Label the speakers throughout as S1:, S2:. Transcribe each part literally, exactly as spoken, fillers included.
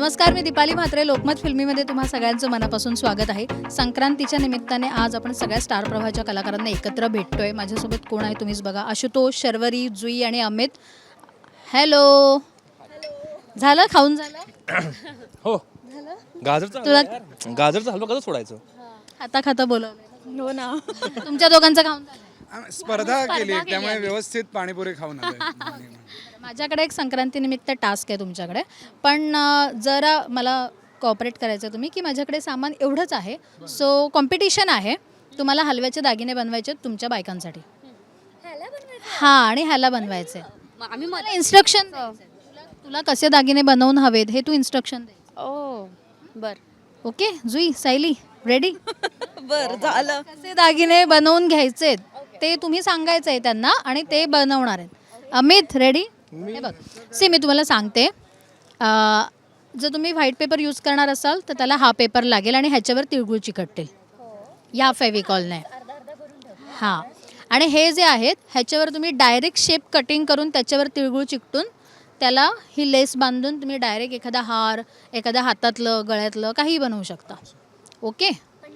S1: नमस्कार, मी दीपाली म्हात्रे. लोकमत फिल्मीमध्ये तुम्हा सगळ्यांचं मनापासून स्वागत आहे. संक्रांतीच्या निमित्ताने आज आपण सगळ्या स्टार प्रवाहाच्या कलाकारांना एकत्र भेटतोय. माझ्यासोबत कोण आहे तुम्हीच बघा. आशुतोष, शर्वरी, जुई आणि अमित. हॅलो. झालं खाऊन झालं?
S2: हो. गाजर
S1: तुला
S2: गाजर हलवा कसं सोडायचं?
S1: खाता खाता बोलवलं.
S3: हो ना.
S1: तुमच्या दोघांचं खाऊन झालं?
S4: स्पर्धा केली त्यामुळे व्यवस्थित पाणीपुरी खाऊन आलोय.
S1: माझ्याकडे एक संक्रांतीनिमित्त टास्क आहे तुमच्याकडे, पण अ, जरा मला कॉपरेट करायचं तुम्ही की माझ्याकडे सामान एवढंच आहे. सो कॉम्पिटिशन आहे. तुम्हाला हलव्याचे दागिने बनवायचे आहेत तुमच्या बायकांसाठी. हां, आणि ह्याला बनवायचे.
S3: आम्ही
S1: मला इन्स्ट्रक्शन तुला कसे दागिने बनवून हवेत हे तू इन्स्ट्रक्शन दे.
S3: ओ बर
S1: ओके जुई, सायली रेडी?
S3: बर झालं.
S1: कसे दागिने बनवून घ्यायचे ते तुम्ही सांगायचं आहे त्यांना आणि ते बनवणार आहेत. अमित रेडी? हे बघ सी, मी तुम्हाला सांगते, अ, जर तुम्ही व्हाईट पेपर यूज करणार असाल तर त्याला हा पेपर लागेल आणि ह्याच्यावर तिळगुळ चिकटतील या फेविकॉलने. हां, आणि हे जे आहेत ह्याच्यावर तुम्ही डायरेक्ट शेप कटिंग करून त्याच्यावर तिळगुळ चिकटून त्याला ही लेस बांधून तुम्ही डायरेक्ट एखादा हार, एखाद्या हातातलं गळ्यातलं काहीही बनवू शकता. ओके.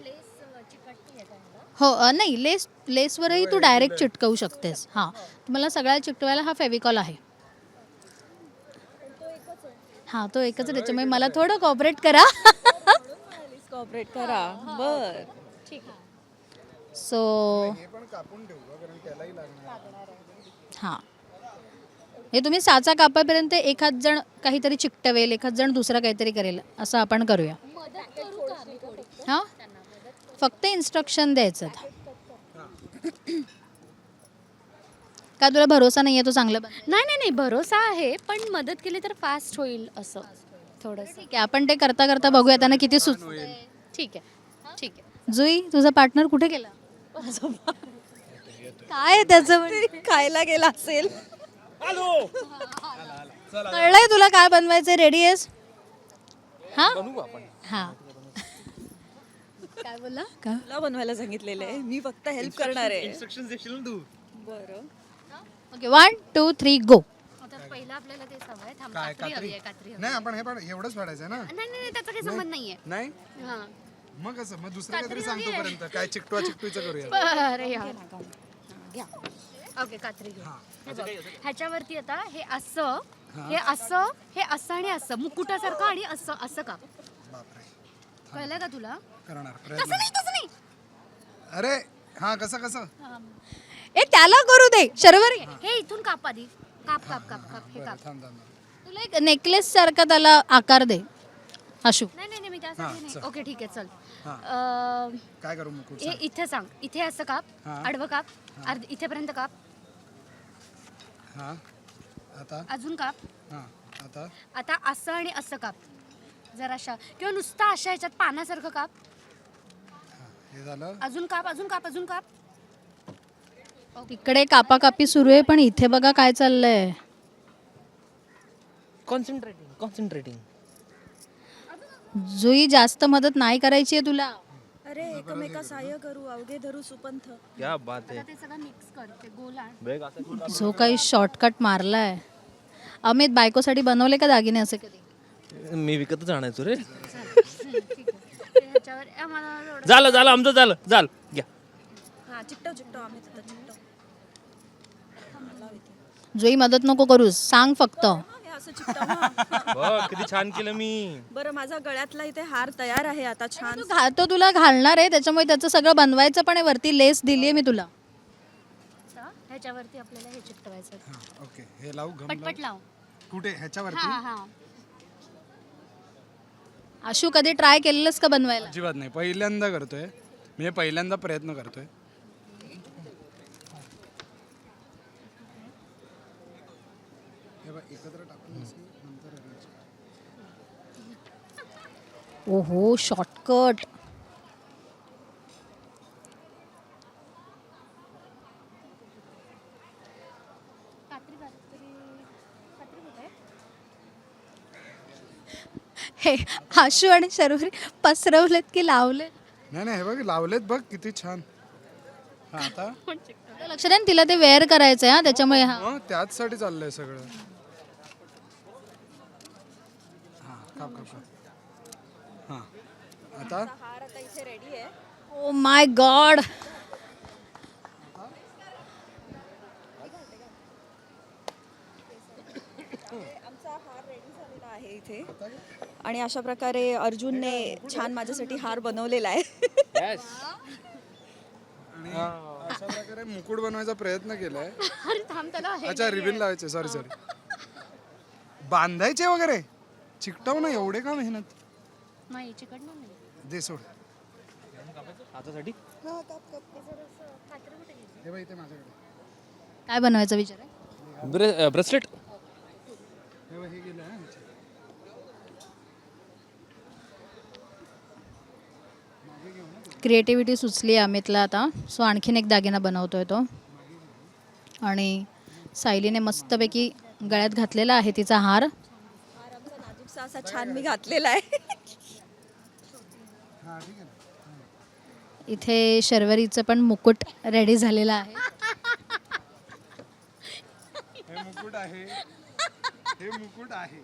S1: हो अ, नाही, लेस लेसवरही तू डायरेक्ट चिटकवू शकतेस. हां, तुम्हाला सगळ्याला चिटकवायला हा फेविकॉल आहे. हां, तो एकच आहे, त्याच्यामुळे मला थोडं कॉपरेट करा.
S3: कॉपरेट करा. बर
S1: ठीक आहे. सो हां, हे तुम्ही साचा कापापर्यंत एखाद जण काहीतरी चिकटवेल, एखाद जण दुसरं काहीतरी करेल, असं आपण करूया. हां, फक्त इन्स्ट्रक्शन द्यायचं. का तुला भरोसा नाही आहे तो चांगलं बन?
S3: नाही नाही नाही भरोसा आहे, पण मदत केली तर फास्ट होईल असं थोडंसं.
S1: ठीक आहे, आपण ते करता करता बघूया त्यांना किती सुच.
S3: ठीक आहे ठीक आहे.
S1: जुई, तुझा पार्टनर कुठे गेला? काय आहे त्याचं म्हणजे?
S3: खायला गेला असेल.
S1: कळलंय तुला काय बनवायचं? रेडी आहेस? हां हां. काय बोलला? काय?
S3: तुला बनवायला सांगितलेलं आहे, मी फक्त हेल्प करणार आहे.
S2: इन्स्ट्रक्शन्स देशील ना तू?
S3: बरं.
S1: Okay, one two three go.
S3: पहिला आपल्याला ते सवय थांब.
S4: काय कात्री? नाही, आपण हे पण एवढंच फाडायचं ना.
S3: नाही नाही त्याचा काही संबंध नाहीये.
S4: नाही
S3: हां
S4: मग कसं, मग दुसरं काहीतरी सांगतो पर्यंत काय चिकटवा चिकटूचं करूया.
S3: बरं यार घ्या. ओके कात्री घे. हे बघ, ह्याच्यावरती आता हे असं, हे असं, हे असं आणि असं मुकुटासारखं आणि असं असं का
S4: बापरे,
S3: कळलं का तुला?
S4: करणार
S3: तसं
S4: प्रयत्न.
S3: नाही तसं नाही.
S4: अरे हा, कसं कसं
S1: ए त्याला करू दे. शर्वरी,
S3: हे इथून काप आधी. काप काप काप काप हे काप.
S4: थांब थांब थांब.
S1: तुला एक नेकलेस सारखा त्याला आकार दे. आशू,
S3: नाही नाही नाही, मी त्यासाठी नाही. ओके ठीक आहे चल.
S4: हा.
S3: अं,
S4: काय करू मुकुट?
S3: हे इथे सांग. इथे असं काप,
S4: हा.
S3: आडवं काप, अर्ध इथेपर्यंत काप,
S4: हा आता
S3: अजून काप.
S4: हा आता
S3: आता असं आणि असं काप जराशा, किंवा नुसता अशा ह्याच्यात पानासारखं काप.
S4: हे झालं.
S3: अजून काप, अजून काप, अजून काप.
S1: तिकडे कापाकापी सुरू आहे, पण इथे बघा काय चाललंय.
S2: कॉन्सन्ट्रेटिंग कॉन्सन्ट्रेटिंग
S1: जुई, जास्त मदत नाही करायची आहे तुला.
S5: अरे एकमेका सहाय्य करू, अवघे धरू सुपंथ.
S2: क्या बात है.
S3: ते सगळं मिक्स कर, ते गोल आण.
S2: बेग असं
S1: जो काही शॉर्टकट मारलाय. अमित, बायकोसाठी बनवले का दागिने असे कधी?
S2: मी विकतच आणायचो रे.
S3: ते ह्याच्यावर ए, मला एवढं-
S2: झालं झालं आमचं झालं झालं घ्या.
S5: हा चिकटव चिकटव आम्ही तिथं चिकटव.
S1: जुई, मदत नको करूस, सांग फक्त.
S5: हा, हे असं चिकटव ना.
S2: बघ किती छान केलं मी.
S5: बरं, माझा गळ्यातला इथे हार तयार आहे आता छान.
S1: तू घा- तो तुला घालणार आहे, त्याच्यामुळे त्याचं सगळं बनवायचं पण आहे. वरती लेस दिलीये मी तुला.
S3: आता ह्याच्यावरती आपल्याला हे चिकटवायचं.
S4: हा ओके, हे लावू घम
S3: पटपट लाव.
S4: कुठे? ह्याच्यावरती?
S3: हा हा.
S1: आशू, कधी ट्राय केलेलंस का बनवायला?
S4: अजिबात नाही, पहिल्यांदा करतोय मी हे, पहिल्यांदा प्रयत्न करतोय. हे बघ, एकत्र टाकून असं नंतर arrange कर.
S1: ओहो, शॉर्टकट. हे आशू आणि शर्वरी पसरवलेत की लावले?
S4: नाही नाही, हे बघ लावलेत, बघ किती छान. हा आता
S1: लक्ष द्या, तिला ते वेअर करायचंय हा, त्याच्यामुळे हा.
S4: मग त्याचसाठी चाललंय सगळं. काप काप काप हां आता
S5: हार आता इथे रेडी आहे.
S1: Oh my god.
S5: आमचा हार रेडी झालेला आहे इथे आणि अशा प्रकारे अर्जुनने छान माझ्यासाठी हार बनवलेला आहे.
S4: आणि अशा प्रकारे मुकुट बनवायचा प्रयत्न केलाय.
S3: अरे थांब त्याला हे
S4: अच्छा रिबिन लावायचे सॉरी सॉरी बांधायचे वगैरे चिकटव ना एवढे का मेहनत
S3: नाही चिकटणार नाही.
S4: दे सोड
S2: हातासाठी
S4: हे बघ इथे माझ्याकडे
S1: काय बनवायचा विचार आहे?
S2: ब्रेसलेट.
S4: हे बघ हे गेलं हा ह्याच्यात.
S1: क्रिएटिव्हिटी सुचली आहे अमितला आता. सो आणखीन एक दागिना बनवतोय तो. आणि सायलीने मस्तपैकी गळ्यात घातलेला आहे तिचा हार.
S5: हार आमचा नाजूकसा असा छान मी घातलेला आहे.
S4: हा ठीक आहे ना.
S1: इथे शर्वरीचं पण मुकुट रेडी झालेला आहे.
S4: हे मुकुट आहे हे मुकुट आहे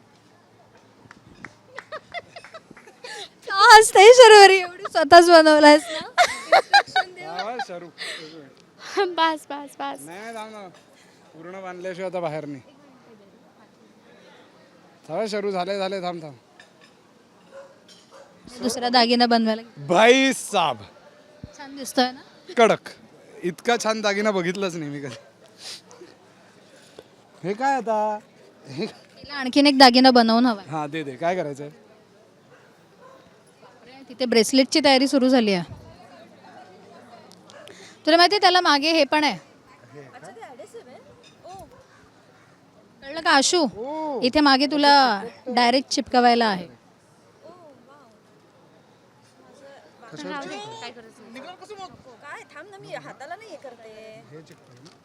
S1: का हसते शर्वरी? एवढी स्वतःच बनवलायस ना.
S4: हा, शरू
S3: बस बस बस.
S4: नाही थांब ना पूर्ण बांधल्याशिवाय आता बाहेर नाही. थांब शरू झाले झाले थांब थांब
S1: दुसरा दागिना बनवायला
S4: भाई साब
S1: छान दिसतोय ना.
S4: कडक इतका छान दागिना बघितलाच नाही मी कधी. हे काय आता हे
S1: तिला आणखीन एक दागिना बनवून हवाय.
S4: हा दे दे काय करायचंय.
S1: तिथे ब्रेसलेटची तयारी सुरू झाली आहे. तुला माहिती त्याला मागे हे पण आहे. कळलं का आशू? इथे मागे तुला डायरेक्ट चिपकवायला आहे.
S5: काय थांब ना मी हाताला नाही हे करते.
S4: हे चिकटव ना.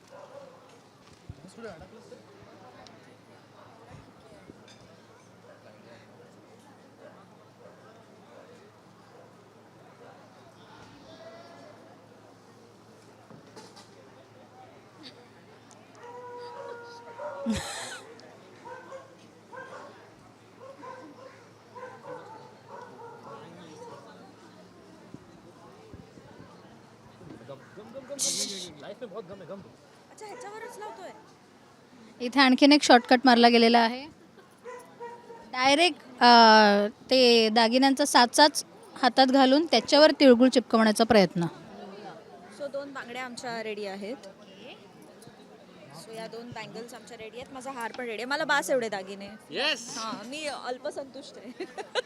S5: अच्छा ह्याच्यावरच लावतोय.
S1: इथे आणखीन एक शॉर्टकट मारला गेलेला आहे. डायरेक्ट ते दागिन्यांचा साचाच हातात घालून त्याच्यावर तिळगुळ चिपकवण्याचा प्रयत्न.
S5: सो दोन बांगड्या आमच्या रेडी आहेत. सो या दोन बँगल्स आमच्या रेडी आहेत. माझा हार पण रेडी आहे. मला बास एवढे दागिने. हां मी अल्पसंतुष्ट आहे.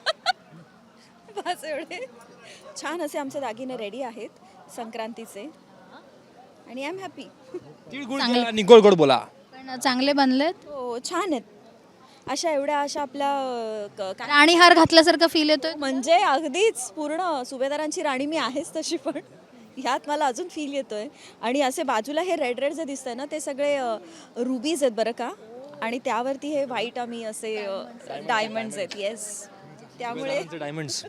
S5: बास एवढे छान असे आमचे दागिने रेडी आहेत संक्रांतीचे आणि आय एम हॅपी.
S2: तिळगुळ केला आणि गोड गोड बोला.
S1: पण चांगले बनलेत.
S5: हो छान आहेत. अशा एवढ्या अशा आपल्या अ, क- काय
S1: राणी हार घातल्यासारखं फील येतोय.
S5: म्हणजे अगदीच पूर्ण सुभेदारांची राणी मी आहेच तशी पण ह्यात मला अजून फील येतोय. आणि असे बाजूला हे रेड रेड जे दिसतंय ना ते सगळे रुबीज आहेत बरं का. आणि त्यावरती हे व्हाईट आम्ही असे डायमंड्स आहेत. येस त्यामुळे
S2: डायमंड्स.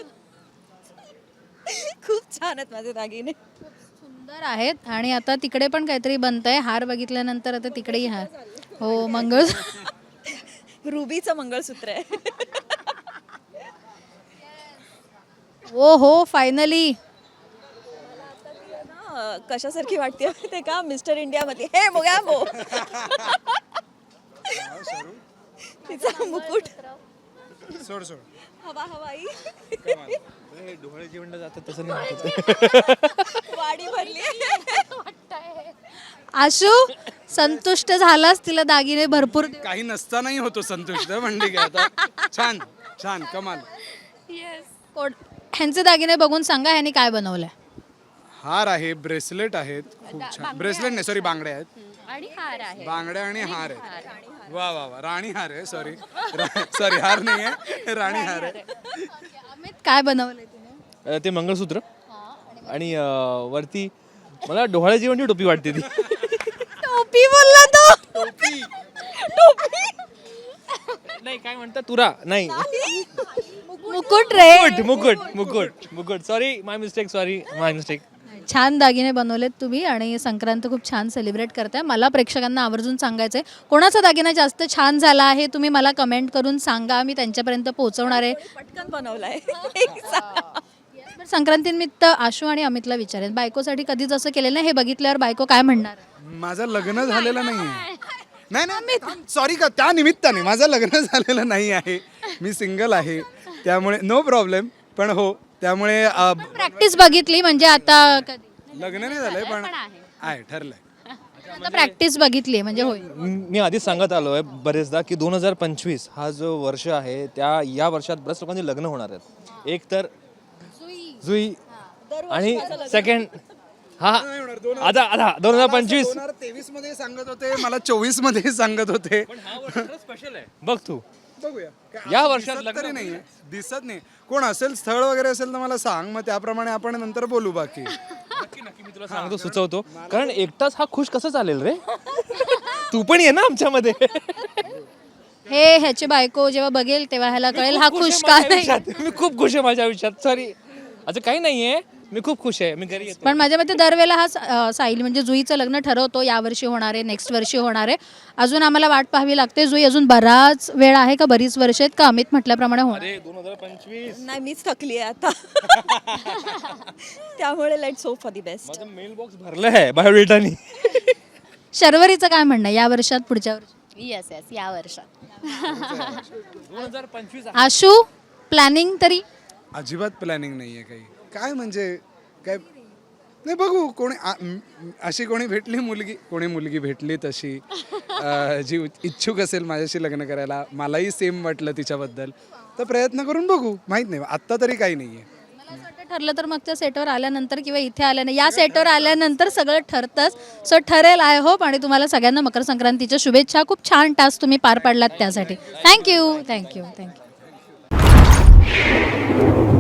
S5: खूप छान आहेत माझे दागिने.
S1: सुंदर आहेत. आणि आता तिकडे पण काहीतरी बनतंय. हार बघितल्यानंतर आता तिकडेही हार. हो मंगळ.
S5: रुबीचं मंगळसूत्र आहे.
S1: ओ हो फायनली.
S5: ना, कशासारखी वाटते ते का मिस्टर इंडियामध्ये हे मोग्या मो तिचा मुकुट
S4: सोड सोड
S5: हवा हवाई
S2: डोळे जेवणला जातात तसं नाही.
S5: वाडी भरली.
S1: आशू संतुष्ट झालास? तिला दागिने भरपूर दे-
S4: काही नसतानाही होतो संतुष्ट म्हणजे काय आता. छान छान कमाल.
S1: कोण- ह्यांचे दागिने बघून सांगा ह्यांनी काय बनवलंय.
S4: हार आहे ब्रेसलेट आहेत खूप छान. ब्रेसलेट नाही सॉरी बांगड्या आहेत.
S3: आणि हार आहे.
S4: बांगड्या आणि हार आहेत. वा वा वा राणी हार आहे सॉरी सॉरी हार नाही आहे राणी हार आहे.
S1: अमित काय बनवलंय तिने?
S2: अ, ते मंगळसूत्र आणि अ, वरती मला डोहाळे जेवणची टोपी वाटते ती.
S1: टोपी बोलला तो.
S2: नाही काय म्हणतात तुरा नाही.
S1: मुकुट रे.
S2: मुकुट मुकुट मुकुट मुकुट sorry my mistake sorry my mistake.
S1: छान दागिने बनवलेत तुम्ही आणि संक्रांत खूप छान सेलिब्रेट करताय. मला प्रेक्षकांना आवर्जून सांगायचं आहे कोणाचा दागिना जास्त छान झाला आहे तुम्ही मला कमेंट करून सांगा, मी त्यांच्यापर्यंत पोहोचवणार आहे.
S5: पटकन बनवलाय.
S1: बरं, संक्रांतीनिमित्त आशू आणि अमितला विचारेन, बायकोसाठी कधीच असं केलेलं नाही, हे बघितल्यावर बायको काय म्हणणार?
S4: माझं लग्न झालेलं नाही आहे. नाही नाही सॉरी का त्या निमित्ताने माझं लग्न झालेलं नाही आहे, मी सिंगल आहे, त्यामुळे नो प्रॉब्लेम. पण हो त्यामुळे अ,
S1: प्रॅक्टिस बघितली म्हणजे आता कधी
S4: लग्न नाही झालंय पण आहे ठरलंय.
S1: आता प्रॅक्टिस बघितली म्हणजे होईल.
S2: मी आधीच सांगत आलो आहे बरेचदा की दोन हजार पंचवीस हा जो वर्ष आहे त्या या वर्षात बऱ्याच लोकांची लग्न होणार आहेत. एक तर जुई आणि सेकंड हा आता आता दोन हजार पंचवीस
S4: दोन हजार तेवीस मध्ये सांगत होते, मला चोवीस मध्ये सांगत होते.
S2: स्पेशल आहे बघ तू.
S4: बघूया काय
S2: या
S4: असं
S2: वर्षात
S4: दिसत
S2: लग्न
S4: तरी नाहीये, दिसत नाही. कोण असेल स्थळ वगैरे असेल तर मला सांग, मग त्याप्रमाणे आपण नंतर बोलू. बाकी
S2: नक्की नक्की मी तुला सांगतो सुचवतो, कारण एकटाच हा खुश कसं चालेल रे. तू पण ये ना आमच्यामध्ये.
S1: हे ह्याची बायको जेव्हा बघेल तेव्हा ह्याला कळेल हा खुश का नाही.
S2: मी खूप खुश आहे माझ्या आयुष्यात. सॉरी असं काही नाहीये, मी खूप खुश आहे. मी घरी येतो.
S1: पण माझ्या मते दरवेळेला हा स- अं, साहिल म्हणजे जुईचं लग्न ठरवतो यावर्षी होणार आहे, नेक्स्ट वर्षी होणार आहे. अजून आम्हाला वाट पाहावी लागते. जुई अजून बराच वेळ आहे का बरीच वर्ष आहेत का अमित म्हटल्याप्रमाणे होणार?
S2: अरे दोन हजार पंचवीस
S5: नाही मीच थकली आहे आता. त्यामुळे let's hope for the best.
S2: माझं मेल बॉक्स भरलं आहे बायोडेटानी.
S1: शर्वरीचं काय म्हणणं आहे? या वर्षात पुढच्या वर्षी?
S3: येस येस या वर्षात
S2: दोन हजार पंचवीस
S1: आशू प्लॅनिंग तरी
S4: अजिबात प्लॅनिंग नाहीये काही. काय म्हणजे काय नाही, बघू कोणी आ- म- अशी कोणी भेटली मुलगी, कोणी मुलगी भेटली तशी अ, जी इच्छुक असेल माझ्याशी लग्न करायला, मलाही सेम वाटलं तिच्याबद्दल, तर प्रयत्न करून बघू. माहित नाही आत्ता तरी काही नाहीये.
S1: मला असं वाटतं ठरलं तर मग त्या सेटवर आल्यानंतर किंवा इथे आल्यानंतर या सेटवर आल्यानंतर सगळं ठरतंच. सो ठरेल आय होप. आणि तुम्हाला सगळ्यांना मकर संक्रांतीच्या शुभेच्छा. खूप छान टास्क तुम्ही पार पाडलात त्यासाठी. Thank you thank you thank you